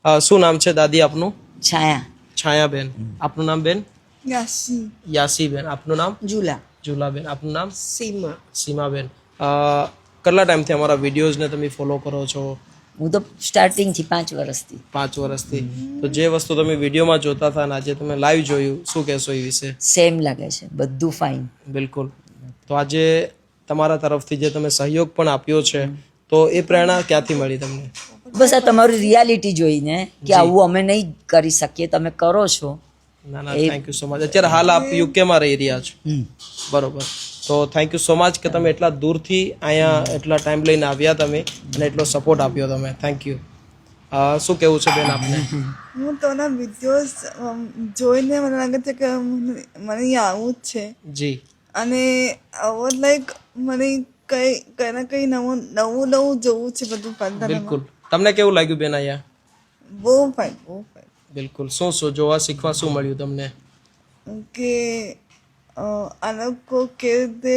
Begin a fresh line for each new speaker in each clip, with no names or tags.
શું નામ છે દાદી આપનું?
છાયા
છાયાબેન. આપનું નામ બેન?
યાસી
યાસીબેન. આપનું નામ?
ઝુલા
જુલાબેન. આપનું નામ?
સીમા
સીમાબેન. કેટલા ટાઈમથી અમારા વિડીયોઝને તમે ફોલો કરો છો?
હું તો સ્ટાર્ટિંગથી 5 વર્ષથી
5 વર્ષથી. તો જે વસ્તુ તમે વિડીયોમાં જોતા હતા અને આજે તમે લાઈવ જોયું, શું કહેશો એ વિશે?
સેમ લાગે છે, બધું ફાઇન.
બિલકુલ. તો આજે તમારા તરફથી જે તમે સહયોગ પણ આપ્યો છે, તો એ પ્રેરણા ક્યાંથી મળી તમને?
બસ આ તમારી રિયાલિટી જોઈને કે આવું અમે નહીં કરી શકીએ, તમે કરો છો.
ના ના, થેન્ક યુ સો મચ. અત્યારે હાલ આપ યુકેમાં રહી રહ્યા છો, બરોબર. તો થેન્ક યુ સો મચ કે તમે એટલા દૂરથી અહીંયા એટલા ટાઈમ લઈને આવ્યા તમે અને એટલો સપોર્ટ આપ્યો તમે. Thank you. શું કહેવું છે બેન આપને?
હું તોના વિડીયોઝ જોઈને મને લાગે છે કે મને અહીંયા આવવું જ છે.
જી.
અને આવો લાઈક મને કંઈ ને કંઈ નવું જોવું છે બધું પાલતાનામાં.
બિલકુલ. તમને કેવું લાગ્યું બેન અહીંયા?
બહુ ફાઇન, બહુ ફાઇન.
બિલકુલ. શું જોવા શીખવા શું મળ્યું તમને?
કે આ લોકો કેવી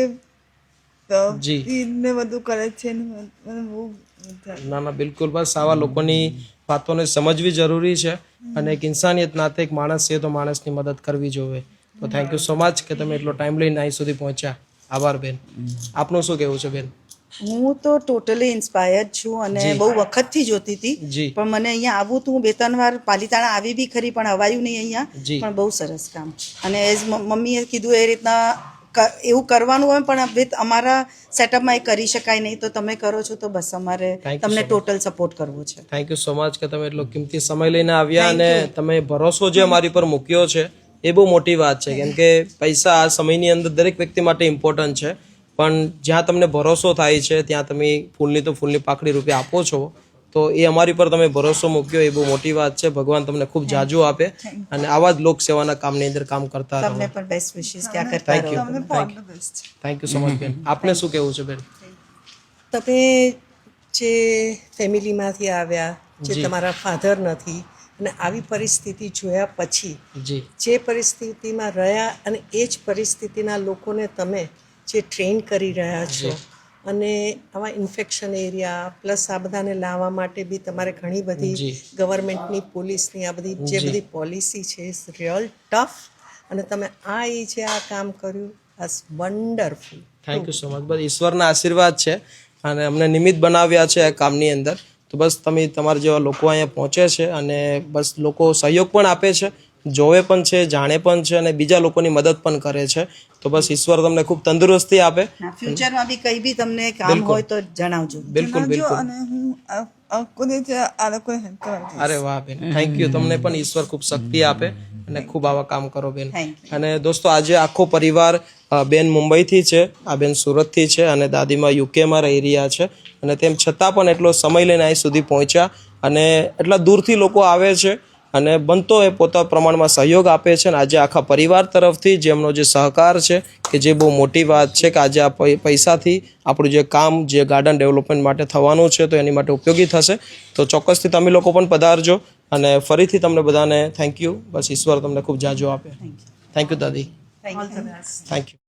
રીતે ને બધું કરે છે ને મને બહુ મજા આવી.
ના ના, બિલકુલ. બસ આવા લોકોની વાતોને સમજવી જરૂરી છે અને એક ઇન્સાનિયત નાતે એક માણસ છે તો માણસની મદદ કરવી જોઈએ. તો થેન્ક યુ સો મચ કે તમે એટલો ટાઈમ લઈને અહીં સુધી પહોંચ્યા. આભાર બેન. આપનું શું કહેવું છે બેન?
હું તો ટોટલી ઇન્સ્પાયર્ડ છું અને બહુ વખતથી જોતી હતી, પણ મને અહીંયા આવવું તો હું 2-3 વાર પાલીતાણા આવી બી ખરી પણ અવાયું નહીં અહીંયા. પણ બહુ સરસ કામ. અને એઝ મમ્મીએ કીધું એ રીતના એવું કરવાનું હોય પણ અમારા સેટઅપમાં એ કરી શકાય નહીં, તો તમે કરો છો તો બસ અમારે તમને ટોટલ સપોર્ટ કરવો છે.
થેન્ક યુ સો મચ કે તમે એટલો કિંમતી સમય લઈને આવ્યા અને તમે ભરોસો જે અમારી પર મૂક્યો છે એ બહુ મોટી વાત છે. કેમ કે પૈસા આ સમયની અંદર દરેક વ્યક્તિ માટે ઇમ્પોર્ટન્ટ છે, પણ જ્યાં તમને ભરોસો થાય છે ત્યાં તમે ફૂલની તો ફૂલની પાકડી રૂપે આપો છો, તો એ અમારી પર તમે ભરોસો મૂક્યો એ બહુ મોટી વાત છે. ભગવાન તમને ખૂબ જાજુ આપે અને આવા જ લોક સેવાના કામની અંદર કામ કરતા રહો.
તમને પણ બેસ્ટ વિશેસ ક્યાં કરતા રહો.
થેન્ક યુ સો મચ બેન. આપને શું કહેવું છે બેન?
તમે જે ફેમિલીમાંથી આવ્યા, જે તમારા ફાધર નથી અને આવી પરિસ્થિતિ જોયા પછી જે પરિસ્થિતિમાં રહ્યા અને એ જ પરિસ્થિતિના લોકોને તમે જે ટ્રેન કરી રહ્યા છો અને આવા ઇન્ફેક્શન એરિયા પ્લસ આ બધાને લાવવા માટે બી તમારે ઘણી બધી ગવર્મેન્ટની પોલીસની આ બધી જે બધી પોલિસી છે ઇઝ રિયલ ટફ, અને તમે જે આ કામ કર્યું as wonderful.
Thank you so much. બસ ઈશ્વરના આશીર્વાદ છે અને અમને નિમિત્ત બનાવ્યા છે આ કામની અંદર. તો બસ તમે તમારા જેવા લોકો અહીંયા પહોંચે છે અને બસ લોકો સહયોગ પણ આપે છે, જોવે પણ છે, જાણે પણ છે અને બીજા લોકોની મદદ પણ કરે છે. તો બસ ઈશ્વર તમને ખૂબ તંદુરસ્તી આપે.
ફ્યુચરમાં બી કંઈ બી તમને કામ હોય તો જણાવજો.
બિલકુલ બિલકુલ.
અને હું આ લોકોને હેલ્પ કરવા.
અરે વાહ બેન, થેન્ક યુ. તમને પણ ઈશ્વર ખૂબ શક્તિ આપે અને ખૂબ આવા કામ કરો બેન. અને દોસ્તો આજે આખો પરિવાર, બેન મુંબઈથી છે, આ બેન સુરતથી છે અને દાદીમાં યુકેમાં રહી રહ્યા છે અને તેમ છતાં પણ એટલો સમય લઈને અહીં સુધી પહોંચ્યા અને એટલા દૂરથી લોકો આવે છે અને બનતો એ પોતા પ્રમાણમાં સહયોગ આપે છે. અને આજે આખા પરિવાર તરફથી જેમનો જે સહકાર છે કે જે બહુ મોટી વાત છે કે આજે આ પૈસાથી આપણું જે કામ જે ગાર્ડન ડેવલપમેન્ટ માટે થવાનું છે તો એની માટે ઉપયોગી થશે. તો ચોક્કસથી તમે લોકો પણ પધારજો અને ફરીથી તમને બધાને થેન્ક યુ. બસ ઈશ્વર તમને ખૂબ જાજો આપે. થેન્ક યુ દાદી. Thank you.